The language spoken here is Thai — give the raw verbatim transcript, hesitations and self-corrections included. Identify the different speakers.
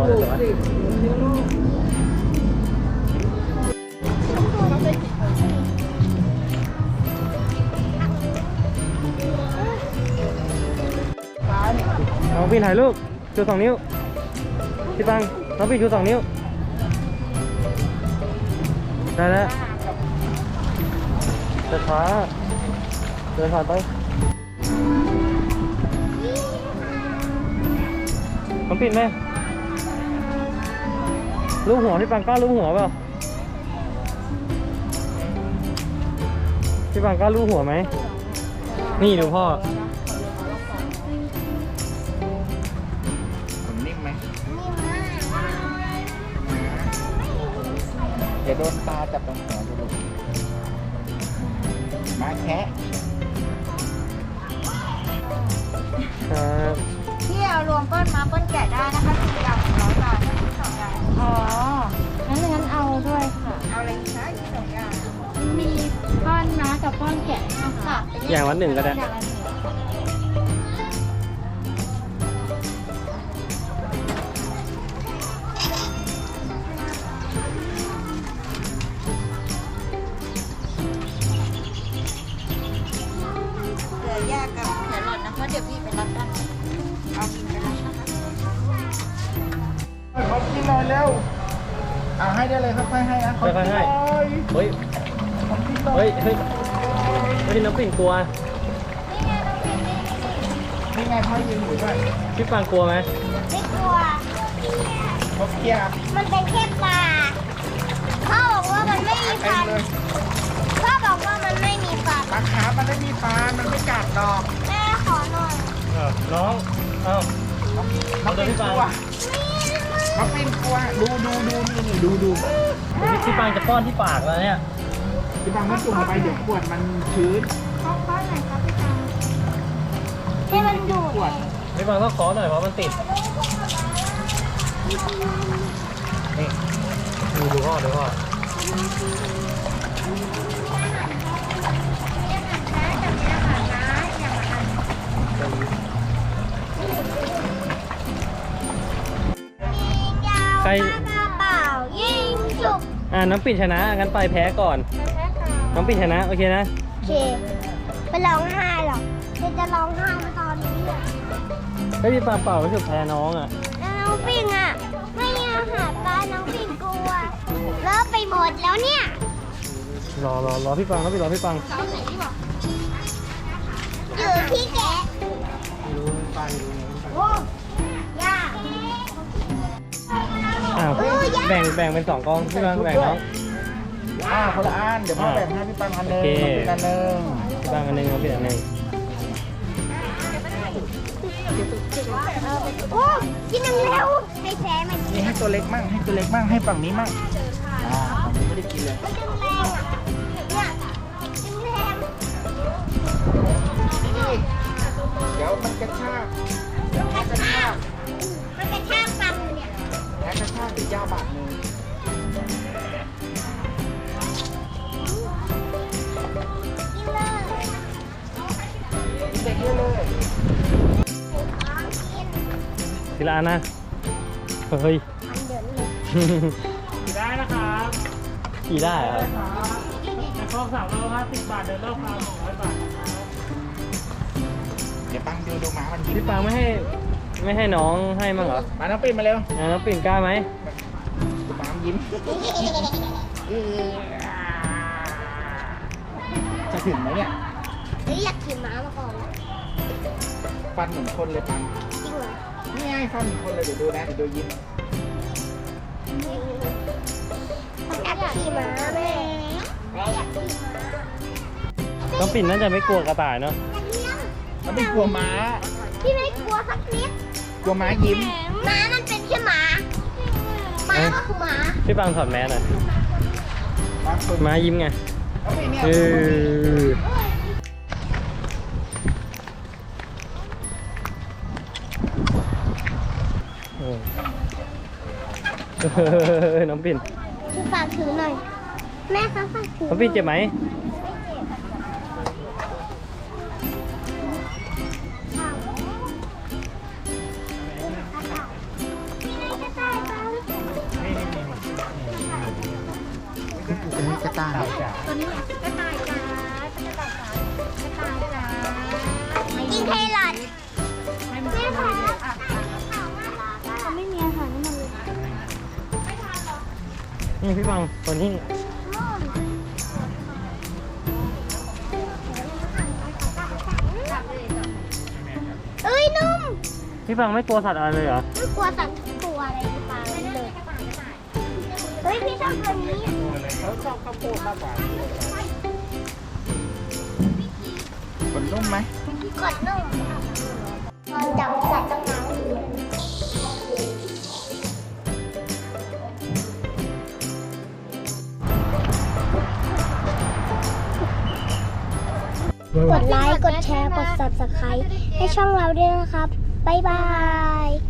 Speaker 1: เลยแต่ว่าน้องพี่ถ่ายรูปชูสองนิ้วพี่ปังน้องพี่ชูสองนิ้วได้แล้วเดินช้าเดินผ่านไปน้องปิดไหมลูกหัวพี่ปังกล้าลูกหัวเปล่าพี่ปังกล้าลูกหัวไหมนี่ดูพ่อ
Speaker 2: นิ่มไหมเดี๋ยวโดนตาจับตรงหัวดูมาแคะ
Speaker 1: ครับ
Speaker 3: พี่เอารวมเปิ้ลมาเปิ้ลแกะได้นะคะสี่อย่างร้อยบาททั้งสองอย่างอ๋องั้นงั้นเอาด้วยค่ะเอาอะไรอีกคะอีกสองอย่างมีป้อนม้ากับป้อนแกะนะคะ
Speaker 1: อย่างวันหนึ่งก็ได้
Speaker 3: อย่างละหนึ่งเหลือยากับแครอทนะคะเดี๋ยวพี่ไปรับด้านเอาบินไปรับนะคะ
Speaker 2: ขอกินหน่อยเร็วเอาให้ได้เลยค่อยๆให้นะ
Speaker 1: ค่อยๆให้เฮ้ยเฮ้ยเฮ้ยเฮ้ยน้องปิ่นกลัว
Speaker 2: นี่ไงพ่อยืนอยู่ด้วย
Speaker 1: พี่ปังกลัวไหม
Speaker 3: ไม่กลัว
Speaker 2: เขาเกียร์
Speaker 3: มันเป็นแค่ปลาพ่อบอกว่ามันไม่มีฟันพ่อบอกว่ามันไม่มีฟัน
Speaker 2: ปลาขามันไม่มีฟันมันไม่กัดดอก
Speaker 3: แม่ขอหน่อย
Speaker 1: น้องเอ้า
Speaker 2: น้องเป็นกลัวน้องเป็นกลัวดูดูดูนี่นี่ดูดู
Speaker 1: พี่ปังจะป้อนที่ปากแล้วเนี่ย
Speaker 2: พี่ปังไม่จุ่มลงไปเดี๋ยวขวดมันชื้น
Speaker 3: ขอป้อนหน่อยครับพี่ปังให้มันดูด
Speaker 2: ขวด
Speaker 1: พี่ปังต้องขอหน่อยเพราะมันติดนี่ดูดูพ่อดูพ่อใคร
Speaker 3: เปล่ายิงจุก
Speaker 1: อ่าน้องปิ่นชนะงั้นไปแพ้ก่อนน้องปิ่นชนะโอเคนะ
Speaker 3: โอเคไปร้องไห้หรอกเธอจะร้องไห้มาตอนนี้อ่ะ
Speaker 1: ไม่พี่ปังเปล่ารู้สึกแพ้น้องอ่ะ
Speaker 3: น้องปิ่นอ่ะไม่อาหารปลาน้องปิ่นกลัวเลิกไปหมดแล้วเนี่ย
Speaker 1: รอรอรอพี่ปังแล้วพี่รอพี่ปัง
Speaker 3: อยู่ที่แกะ
Speaker 1: ไม่รู้ปัง
Speaker 3: โอ้ยา
Speaker 1: อ้าวแบ่งแบ่งเป็นสองกองพี่ปังแบ่งน้อง
Speaker 2: อ่าคนละอันเดี๋ยวพ่อแบ่งให้พี่ปังอันหนึ่งอันหนึ่ง
Speaker 1: พี่ปังอันหนึ่งน้องปิ่นอันหนึ่ง
Speaker 3: โอ้กินแล้วให้แพ้มัน
Speaker 2: นี่ให้ตัวเล็กมั่งให้ตัวเล็กมั่งให้ฝั่งนี้มั่งอ่าฝั่งนี้ไม่ได้กินเลย
Speaker 3: มันดึงแรงอ่ะเนี่ยดึงแรง
Speaker 2: เดี๋ยวมันกระชาก
Speaker 3: มันกระชากมันกระชากฟันเนี่ย
Speaker 2: แพ้กระชากติดยาบาดมือ
Speaker 3: กินเลย
Speaker 2: เด็กเยอะเลย
Speaker 1: ทีละอันนะเฮ้ย
Speaker 2: ขี่ได้นะครับ
Speaker 1: ขี่ได้ครับ
Speaker 2: ในครอบสามร้อยห้าสิบบาทเดินรอบคราวสองร้อยบาทเดี๋ยวปังดูดูหมามันยิ้ม
Speaker 1: พี่ปังไม่ให้ไม่ให้น้องให้มั้งเหรอ
Speaker 2: มาน้องปิ่นมาเร็ว
Speaker 1: น้องปิ่นกล้าไหม
Speaker 2: ดูหมามันยิ้มจะถึงไหมเนี่ย
Speaker 3: อยากขี่ม้ามาก่อน
Speaker 2: ฟันเหมือนคนเลยปัง
Speaker 3: จริงเหรอ
Speaker 2: นี่ไงฟันเหมือนคนเลยเดี๋ยวดูนะเดี๋ยวดูยิ้ม
Speaker 3: อยากขี่ม้าแม่แม่อยากขี่ม้า
Speaker 1: น้องปิ่นน่าจะไม่กลัวกระต่ายเนาะ
Speaker 2: เขาไม่กลัวม้า
Speaker 3: พี่ไม่กลัวสักนิด
Speaker 2: กลัวม้ายิ้ม
Speaker 3: ม้ามันเป็นแค่ม้าม้าก็คือม้า
Speaker 1: พี่ปังถอดแมสหน่อยม้ายิ้มไงเออน้องปิ่น
Speaker 3: ฝากถือหน่อยแม่คะฝากถือ
Speaker 1: น้องปิ่นเจ็บไหม
Speaker 2: อันนี้กระต่าย
Speaker 3: ตัวนี้กระต่ายจ้ากระต่ายจ้ากระต่ายจ้ากินเทลอดแม่ค่ะเขาไม่มีอาหารให้มันเลย
Speaker 1: นี่พี่บังตัวนี้
Speaker 3: เอ้ยนุ่ม
Speaker 1: พี่บังไม่กลัวสัตว์อะไรเลยเหรอ
Speaker 3: ไม่กลัวสัตว์ทุกตัวอะไรในป่าเลยเฮ้ยพี่ชอบตัวนี้
Speaker 2: เขาชอบข้าวโพดมากกว่าขนนุ่มไหม
Speaker 3: กดนุ่มเราจับสัตว์ต้นน้ำอยู่กดไลค์ กดแชร์ กด ซับสไครบ์ ให้ช่องเราด้วยนะครับ บ๊ายบาย